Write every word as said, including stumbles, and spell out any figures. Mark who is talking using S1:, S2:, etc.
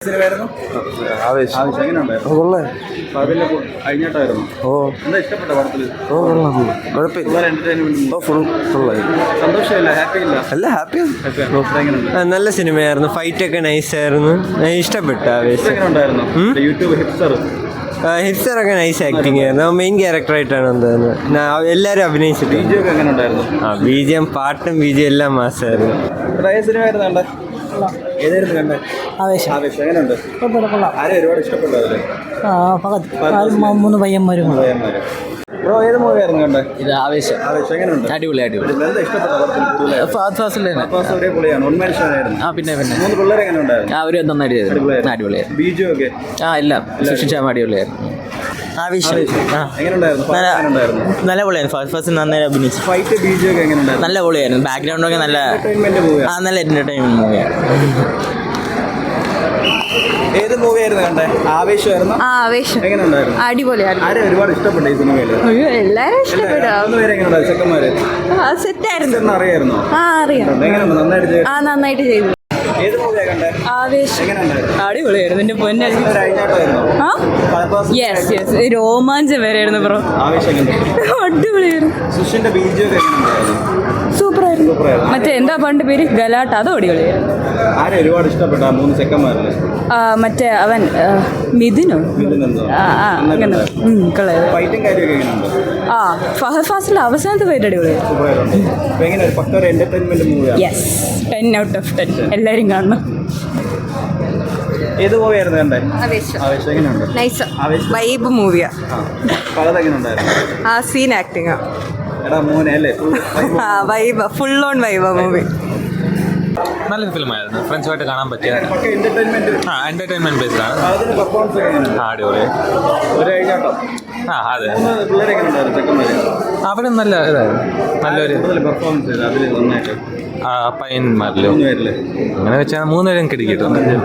S1: സിനിമയായിരുന്നു
S2: ആവേശം.
S1: ആവശ്യം എങ്ങനെയുണ്ടായിരുന്നു?
S2: കൊള്ളാം.
S1: അതിന്റെ കഴിഞ്ഞിട്ടായിരുന്നു.
S2: ഓ
S1: എന്താ ഇഷ്ടപ്പെട്ട പടത്തിൽ?
S2: ഓ കൊള്ളാം. കുഴപ്പമില്ല.
S1: എന്റർടൈൻമെന്റ്
S2: ഫുൾ ഫുള്ളായി.
S1: സന്തോഷമില്ല, ഹാപ്പി ഇല്ല?
S2: അല്ല ഹാപ്പിയാണ്.
S1: എങ്ങനെയുണ്ട്?
S3: നല്ല സിനിമയായിരുന്നു. ഫൈറ്റ് ഒക്കെ നൈസായിരുന്നു. ഇഷ്ടപ്പെട്ടു ആവേശം.
S1: എങ്ങനെയുണ്ടായിരുന്നു? യൂട്യൂബ് ഹിപ്സർ
S3: ഹിറ്റ്സറൊക്കെ നൈസ് ആക്ടിങ് ആയിരുന്നു. മെയിൻ ക്യാരക്ടറായിട്ടാണ് എന്തായിരുന്നു എല്ലാവരും അഭിനയിച്ചിട്ട്.
S1: ബിജു ഒക്കെ എങ്ങനെ ഉണ്ടായിരുന്നു?
S3: ആ ബി ജി എം പാട്ടും ബി ജി എം എല്ലാം മാസമായിരുന്നു.
S1: ഏത് സിനിമയായിരുന്നു കണ്ടേ? ഏതായിരുന്നു കണ്ടേ?
S4: ആവേശം.
S1: ആവേശം എങ്ങനെയുണ്ട്? ആരും ഒരുപാട് ഇഷ്ടപ്പെട്ടു അതില്?
S4: മൂന്ന് പയ്യന്മാരും
S1: പയ്യന്മാര്. ബ്രോ ഏത് മൂവിയായിരുന്നു കണ്ടേ?
S4: ഇത് ആവേശം.
S1: ആവേശം എങ്ങനെയുണ്ട്?
S4: അടിപൊളി അടിപൊളി.
S1: എന്താ ഇഷ്ടപ്പെട്ട പടത്തിൽ? ഒരേ പൊളിയാണ്. ഉന്മേഷമായിരുന്നു.
S4: ആ പിന്നെ പിന്നെ
S1: മൂന്ന് പിള്ളേർ എങ്ങനെ ഉണ്ടായിരുന്നു?
S4: ആ ഒരു നന്നായിട്ട് ചെയ്തു. അടിപൊളിയായിരുന്നു.
S1: ബിജു ഒക്കെ
S4: ആ ഇല്ല സൃഷ്ടിച്ചാൽ അടിപൊളിയായിരുന്നു.
S3: ആവേശം
S1: എങ്ങനെയുണ്ടായിരുന്നു? എങ്ങനെയുണ്ടായിരുന്നു?
S3: നല്ല പൊളിയായിരുന്നു. ഫസ്റ്റ് ഫസ്റ്റ് നന്നായി അഭിനയിച്ചു.
S1: ഫൈറ്റ് ബിജു ഒക്കെ എങ്ങനെയുണ്ടായിരുന്നു?
S3: നല്ല പൊളിയായിരുന്നു. ബാക്ക്ഗ്രൗണ്ടൊക്കെ നല്ല
S1: എന്റർടൈൻമെന്റ് മൂവിയാണ്.
S3: ആ നല്ല എന്റർടൈൻമെന്റ് മൂവിയാണ്.
S1: ഏത് മൂവിയായിരുന്നു കണ്ടേ? ആവേശമായിരുന്നു.
S5: ആവേശം
S1: എങ്ങനെയുണ്ടായിരുന്നു?
S5: അടിപൊളിയായിരുന്നു.
S1: ആരെ ഒരുപാട് ഇഷ്ടപ്പെട്ടു ഈ സിനിമയില്?
S5: അയ്യോ എല്ലാരും ഇഷ്ടപ്പെട്ടു.
S1: മൂന്ന് പേര് എങ്ങനെയുണ്ടായിരുന്നു? ചെക്കന്മാര്
S5: സെറ്റായിരുന്നു.
S1: അറിയായിരുന്നോ?
S5: ആ അറിയാം.
S1: എങ്ങനെയുണ്ട്? നന്നായിട്ട് ചെയ്തു.
S5: ആ നന്നായിട്ട് ചെയ്തു.
S1: ഏത് മൂവിയാ കണ്ടേ?
S5: ആവേശം
S1: എങ്ങനെയുണ്ടായിരുന്നു?
S5: അടിപൊളിയായിരുന്നു. എന്റെ പൊന്നെ
S1: അഴിഞ്ഞാട്ടമായിരുന്നോ?
S5: ആ യെസ് യെസ് രോമാഞ്ചം വരെയായിരുന്നു ബ്രോ.
S1: ആവേശം എങ്ങനെയുണ്ട്?
S5: അടിപൊളിയായിരുന്നു.
S1: സുഷിന്റെ ബീജു ഒക്കെ എങ്ങനെയുണ്ടായിരുന്നു?
S5: സൂപ്പറായിരുന്നു. മറ്റേ എന്താ പണ്ട് പേര് ഗലാട്ട, അത് അടിപൊളിയായിരുന്നു.
S1: ആരെ ഒരുപാട് ഇഷ്ടപ്പെട്ട ആ മൂന്ന് ചെക്കന്മാരല്ലേ?
S5: മറ്റേ അവൻ മിഥുനോ? ആ ആ അങ്ങനെ കളയത്.
S1: ഫൈറ്റും കാര്യമൊക്കെ എങ്ങനെയുണ്ട്?
S5: ആ ഫഹദ് ഫാസിൽ അവസാനത്തെ പേര് അടിപൊളിയായിരുന്നു.
S1: സൂപ്പറായിരുന്നു. അപ്പൊ എങ്ങനെ ഒരു പക്ക ഒരു എന്റർടൈൻമെന്റ് മൂവിയാണ്?
S5: Yes ten out of ten. എല്ലാവരും കാണണം.
S1: ഏത് മൂവിയായിരുന്നു കണ്ടേ?
S6: ആവേശം.
S1: ആവേശം എങ്ങനെയുണ്ട്?
S6: നൈസ്
S1: ആവേശം
S6: വൈബ് മൂവിയാ.
S1: പലത് എങ്ങനെയുണ്ടായിരുന്നു?
S6: ആ സീൻ ആക്ടിങ്
S1: എടാ മോനെ അല്ലേ?
S6: Vibe full on vibe movie.
S7: നല്ലൊരു ഫിലിമായിരുന്നു. ഫ്രണ്ട്സുമായിട്ട് കാണാൻ പറ്റിയ
S1: പക്ക എന്റർടൈൻമെന്റ്.
S7: ആ എന്റർടൈൻമെന്റ് ബേസ്ഡ് ആണ്.
S1: അതിന് പെർഫോമൻസ് ഒക്കെ എങ്ങനെയുണ്ട്?
S7: ആ അടിപൊളി.
S1: ഒരു അഴിഞ്ഞാട്ടം.
S7: ആ അതെ.
S1: പിള്ളേരെ എങ്ങനെയുണ്ടായിരുന്നു? ചെക്കന്മാര്
S7: അവിടെ നല്ല ഇതായിരുന്നു. നല്ലൊരു
S1: കൂടുതൽ പെർഫോമൻസ് ചെയ്ത് അതിൽ നന്നായിട്ട്
S7: പയ്യന്മാരിലോ
S1: മൂന്ന് പേരില്ലേ?
S7: അങ്ങനെ വെച്ചാൽ മൂന്നുപേരും കിടക്കിയിട്ടുണ്ട്.